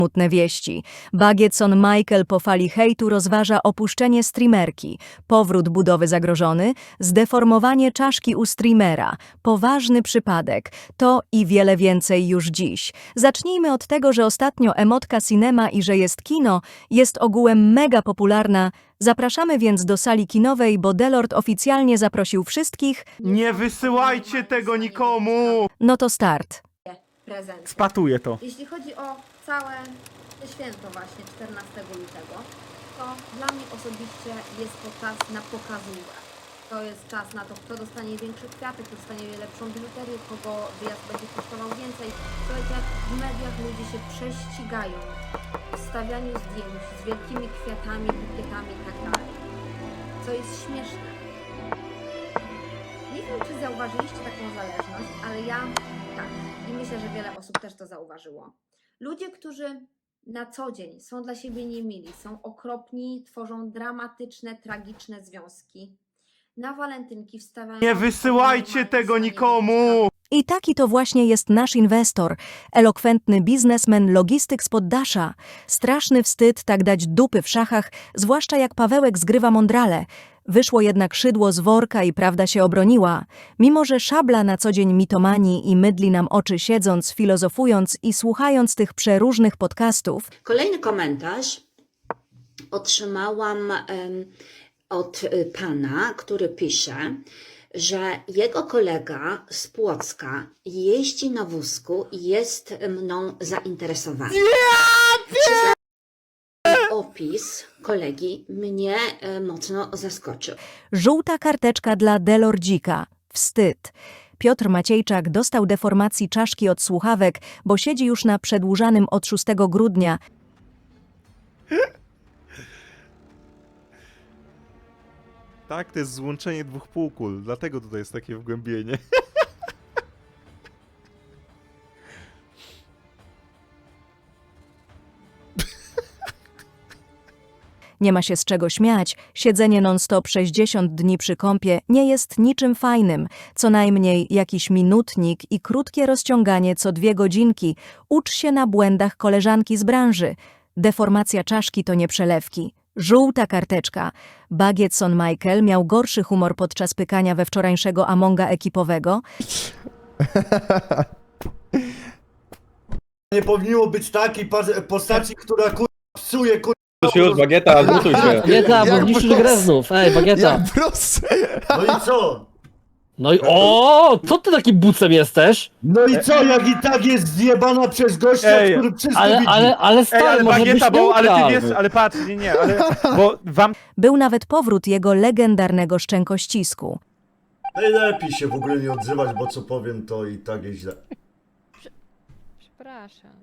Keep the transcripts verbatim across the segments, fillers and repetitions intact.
Smutne wieści. Bagietson Michael po fali hejtu rozważa opuszczenie streamerki, powrót budowy zagrożony, zdeformowanie czaszki u streamera, poważny przypadek. To i wiele więcej już dziś. Zacznijmy od tego, że ostatnio emotka cinema i że jest kino jest ogółem mega popularna. Zapraszamy więc do sali kinowej, bo Delord oficjalnie zaprosił wszystkich. Nie wysyłajcie tego nikomu! No to start. Prezent. Spatuję to. Jeśli chodzi o całe te święto właśnie czternastego lutego, to dla mnie osobiście jest to czas na pokazówkę. To jest czas na to, kto dostanie większy kwiatek, kto dostanie lepszą biżuterię, kogo wyjazd będzie kosztował więcej. Słuchajcie, jak w mediach ludzie się prześcigają w stawianiu zdjęć z wielkimi kwiatami, bukietami i tak dalej. Co jest śmieszne. Nie wiem, czy zauważyliście taką zależność, ale ja tak. I myślę, że wiele osób też to zauważyło. Ludzie, którzy na co dzień są dla siebie niemili, są okropni, tworzą dramatyczne, tragiczne związki. Na walentynki wstawiają... Nie wysyłajcie tego nikomu! I taki to właśnie jest nasz inwestor, elokwentny biznesmen, logistyk z poddasza. Straszny wstyd tak dać dupy w szachach, zwłaszcza jak Pawełek zgrywa mądrale. Wyszło jednak szydło z worka i prawda się obroniła. Mimo że Szabla na co dzień mitomani i mydli nam oczy siedząc, filozofując i słuchając tych przeróżnych podcastów. Kolejny komentarz otrzymałam em, od y, pana, który pisze, że jego kolega z Płocka jeździ na wózku i jest mną zainteresowany. Przyznam, opis kolegi mnie e, mocno zaskoczył. Żółta karteczka dla Delordzika. Wstyd. Piotr Maciejczak dostał deformacji czaszki od słuchawek, bo siedzi już na przedłużanym od szóstego grudnia. Tak, to jest złączenie dwóch półkul, dlatego tutaj jest takie wgłębienie. Nie ma się z czego śmiać, siedzenie non-stop sześćdziesiąt dni przy kąpie nie jest niczym fajnym. Co najmniej jakiś minutnik i krótkie rozciąganie co dwie godzinki. Ucz się na błędach koleżanki z branży. Deformacja czaszki to nie przelewki. Żółta karteczka. Bagietson Michael miał gorszy humor podczas pykania we wczorajszego Amonga ekipowego. Nie powinno być takiej pas- postaci, która kur... psuje kur... Już, już, Bagieta, zmutuj się. Bagieta, bo Jak niszczysz prosto. grę znów. Ej, Bagieta. Jak proste! No i co? No i o, co ty taki bucem jesteś? No i co, jak i tak jest zjebana przez gościa, Ej, który wszystko Ale, widzi. ale, ale Ej, stary, ale może Bagieta, być bo, ale ty neutralny. wiesz, ale patrz, nie, nie, ale, bo wam Był nawet powrót jego legendarnego szczękościsku. Najlepiej się w ogóle nie odzywać, bo co powiem, to i tak jest źle. Przepraszam.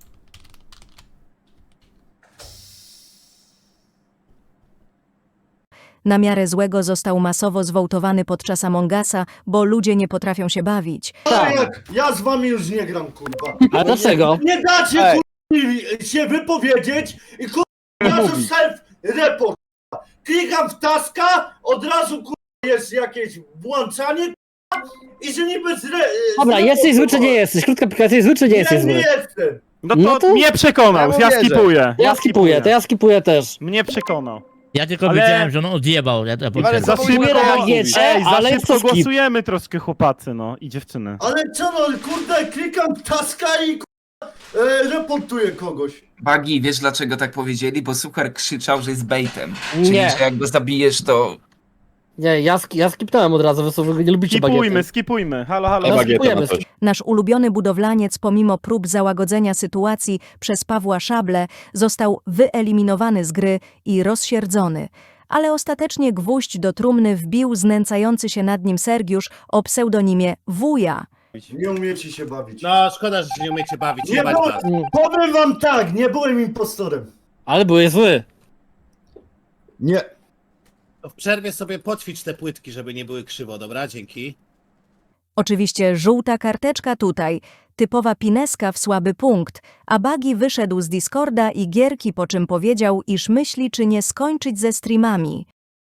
Na miarę złego został masowo zwołtowany podczas Amongasa, bo ludzie nie potrafią się bawić. Ale jak ja z wami już nie gram, kurwa. Ale dlaczego? Nie dacie, Ej. kurwa, się wypowiedzieć i kurwa, ja to self-report. Klikam w taska, od razu kurwa jest jakieś włączanie kurwa, i że niby zre... Dobra, jesteś zły czy nie jesteś? Krótka pyka, jesteś zły czy nie jesteś Ja nie zły? jestem. no to, No to- mnie przekonał, Ja ja, mu wierzę. skipuję. Ja skipuję, to ja skipuję też. Mnie przekonał. Ja tylko Ale- wiedziałem, że on odjebał. Ja to Ale potwierdzam. Za Co szybko, mówię na Bagiecie, ej, za ale szybko jest to skip. głosujemy troszkę chłopacy, no i dziewczyny. Ale co no, kurde, klikam w taska i kurwa, e, reportuję kogoś. Bagi, wiesz dlaczego tak powiedzieli? Bo Suchar krzyczał, że jest baitem. Czyli, Nie. że jak go zabijesz, to... Nie, ja, sk ja skipnąłem od razu, wy sobie nie lubicie Skipujmy, Bagiety. skipujmy, halo, halo. No, Bagieta skipujemy. ma coś. Nasz ulubiony budowlaniec, pomimo prób załagodzenia sytuacji przez Pawła Szablę, został wyeliminowany z gry i rozsierdzony. Ale ostatecznie gwóźdź do trumny wbił znęcający się nad nim Sergiusz o pseudonimie Wuja. Nie umiecie się bawić. No, szkoda, że się nie umiecie bawić. Nie jebać było- was. Powiem wam tak, nie byłem impostorem. Ale byłeś zły. Nie. To w przerwie sobie poćwicz te płytki, żeby nie były krzywo, dobra? Dzięki. Oczywiście żółta karteczka tutaj, typowa pineska w słaby punkt, a Bagi wyszedł z Discorda i gierki, po czym powiedział, iż myśli, czy nie skończyć ze streamami.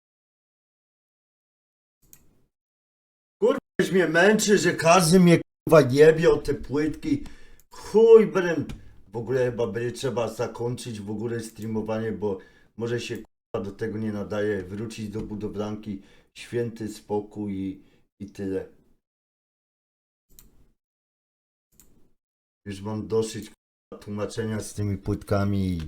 Ktoś mnie męczy, że każdy mnie kurwa jebie o te płytki. Chuj brem. w ogóle chyba będzie trzeba zakończyć w ogóle streamowanie, bo może się k***a do tego nie nadaje, wrócić do budowlanki, święty spokój i, i tyle. Już mam dosyć k***a tłumaczenia z tymi płytkami i...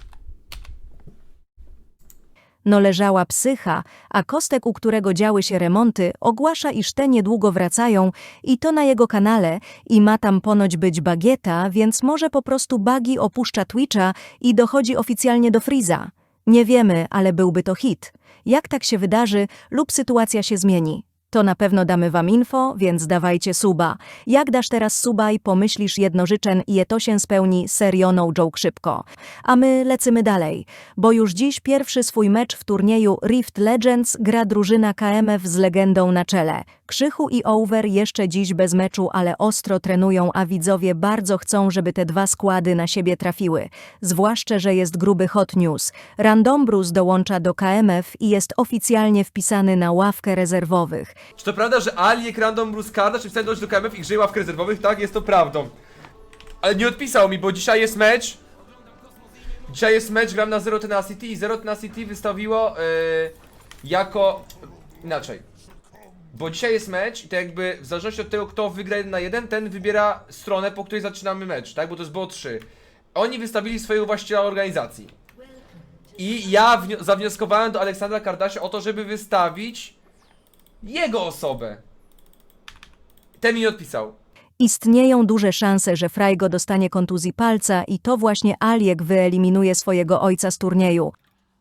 No leżała psycha, a Kostek, u którego działy się remonty, ogłasza, iż te niedługo wracają i to na jego kanale i ma tam ponoć być Bagieta, więc może po prostu Bagi opuszcza Twitcha i dochodzi oficjalnie do Freeza. Nie wiemy, ale byłby to hit. Jak tak się wydarzy lub sytuacja się zmieni? To na pewno damy wam info, więc dawajcie suba. Jak dasz teraz suba i pomyślisz jedno życzen i to się spełni, serio no joke szybko. A my lecimy dalej, bo już dziś pierwszy swój mecz w turnieju Rift Legends gra drużyna K M F z legendą na czele. Krzychu i Over jeszcze dziś bez meczu, ale ostro trenują, a widzowie bardzo chcą, żeby te dwa składy na siebie trafiły. Zwłaszcza, że jest gruby hot news. Randombrus dołącza do K M F i jest oficjalnie wpisany na ławkę rezerwowych. Czy to prawda, że Aliek Random Bruce Karda, czy wstępność do K M F i grzeje ławkę rezerwowych? Tak, jest to prawdą. Ale nie odpisał mi, bo dzisiaj jest mecz. Dzisiaj jest mecz, gram na Zero Tenacity i Zero Tenacity wystawiło yy, jako... Inaczej. Bo dzisiaj jest mecz i to jakby w zależności od tego, kto wygra jeden na jeden, ten wybiera stronę, po której zaczynamy mecz, tak? Bo to jest B O trzy. Oni wystawili swojego właściciela organizacji. I ja zawnioskowałem do Aleksandra Kardasia o to, żeby wystawić jego osobę. Ten mi nie odpisał. Istnieją duże szanse, że Frajgo dostanie kontuzji palca i to właśnie Aliek wyeliminuje swojego ojca z turnieju.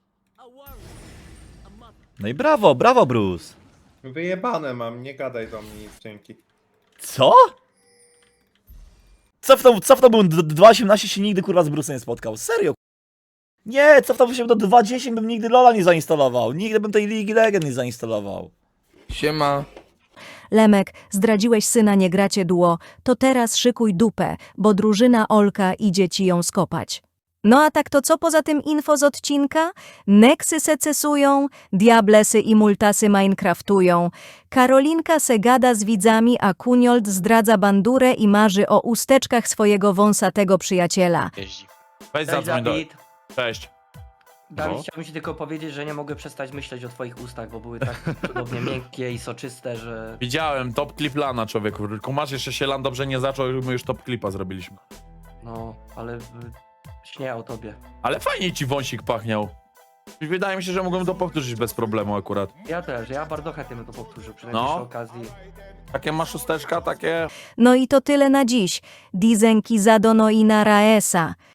No i brawo, brawo Bruce. Wyjebane mam, nie gadaj do mnie nic, dzięki. Co? Cofnął, cofnąłbym do dwa osiemnaście, się nigdy kurwa z Bruce'em nie spotkał. Serio. Nie, cofnąłbym się do dwa dziesięć, bym nigdy Lola nie zainstalował. Nigdy bym tej Ligi Legend nie zainstalował. Siema. Lemek, zdradziłeś syna, nie gracie duo, to teraz szykuj dupę, bo drużyna Olka idzie ci ją skopać. No a tak to co poza tym info z odcinka? Nexy secesują, Diablesy i Multasy Minecraftują, Karolinka se gada z widzami, a Kuniold zdradza bandurę i marzy o usteczkach swojego wąsatego przyjaciela. Weź zadzwoń do... Dawid. Cześć. Dawid, No. chciałbym ci tylko powiedzieć, że nie mogę przestać myśleć o twoich ustach, bo były tak cudownie miękkie i soczyste, że... Widziałem, top clip lana, człowieku. Tylko masz jeszcze się lan dobrze nie zaczął, my już top clipa zrobiliśmy. No, ale y, śnię o tobie. Ale fajnie ci wąsik pachniał. Wydaje mi się, że mogłem to powtórzyć bez problemu akurat. Ja też, ja bardzo chętnie bym to powtórzył przy najbliższej No. okazji. Takie masz usteczka, takie... No i to tyle na dziś. Dizenki zadono i na raesa.